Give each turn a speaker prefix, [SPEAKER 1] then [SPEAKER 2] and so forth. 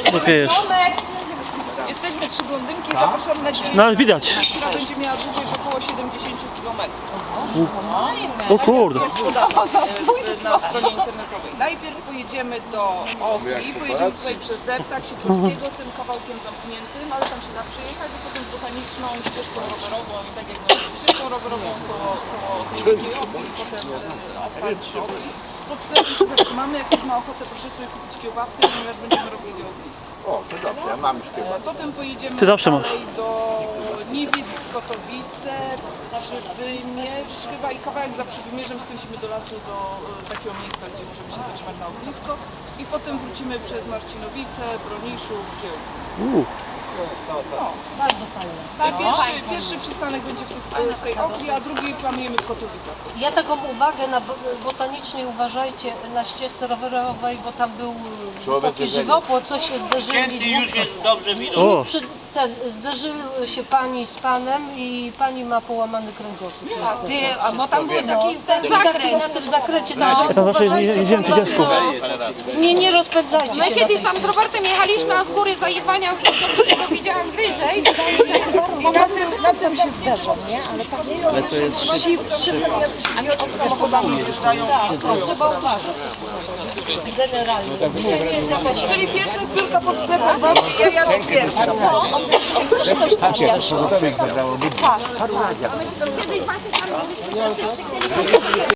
[SPEAKER 1] Takie jest.
[SPEAKER 2] Jesteśmy trzy blondynki, zapraszam na dzień,
[SPEAKER 1] No ale widać.
[SPEAKER 2] która będzie miała długość około 70 km.
[SPEAKER 1] O kurde.
[SPEAKER 2] Na stronie internetowej. Najpierw pojedziemy do Ochli, pojedziemy tutaj przez Deptak Sikorskiego, tym kawałkiem zamkniętym, ale tam się da przejechać, a potem botaniczną ścieżką rowerową i tak jak mówię, ścieżką rowerową koło tej wielkiej Ochli i potem asfalt do Ochli. Pod sklepem się zatrzymamy, jak ktoś ma ochotę, proszę sobie kupić kiełbaskę, ponieważ będziemy robili ognisko.
[SPEAKER 3] O, to dobrze, ja mam już kiełbaskę.
[SPEAKER 2] Potem pojedziemy
[SPEAKER 1] Ty zawsze masz.
[SPEAKER 2] dalej do Niewiec, Kotowice, Przybymierz chyba i kawałek za Przybymierzem skręcimy do lasu, do takiego miejsca, gdzie możemy się zatrzymać na ognisko i potem wrócimy przez Marcinowice, Broniszów, Kiełb.
[SPEAKER 4] Bardzo fajne.
[SPEAKER 2] Pierwszy przystanek będzie w tej Ochli, a drugi planujemy w Katowicach.
[SPEAKER 4] Ja taką uwagę na botanicznej uważajcie na ścieżce rowerowej, bo tam był wysoki żywopłot, coś się zderzyli.
[SPEAKER 5] Już jest dobrze widać.
[SPEAKER 1] O,
[SPEAKER 4] Zderzyły się pani z panem i pani ma połamany kręgosłup.
[SPEAKER 6] Bo tam był taki ten zakręt.
[SPEAKER 4] Na tym zakręcie, także
[SPEAKER 1] tam zawsze
[SPEAKER 4] uważajcie
[SPEAKER 1] jedziemy
[SPEAKER 4] tam
[SPEAKER 1] tu dziadku.
[SPEAKER 4] nie rozpędzajcie
[SPEAKER 6] My
[SPEAKER 4] się.
[SPEAKER 6] kiedyś tam z Robertem jechaliśmy, a z góry zajebania to widziałam wyżej.
[SPEAKER 2] I na tym się zderzą, nie? Ale to jest samochodami jeżdżają.
[SPEAKER 4] Trzeba uważać. Generalnie. Dzisiaj nie jest jakaś...
[SPEAKER 2] Czyli pierwsza zbiórka pod sklepem, ja jadę pierwsza.
[SPEAKER 4] Coś tam
[SPEAKER 6] Kiedyś właśnie tam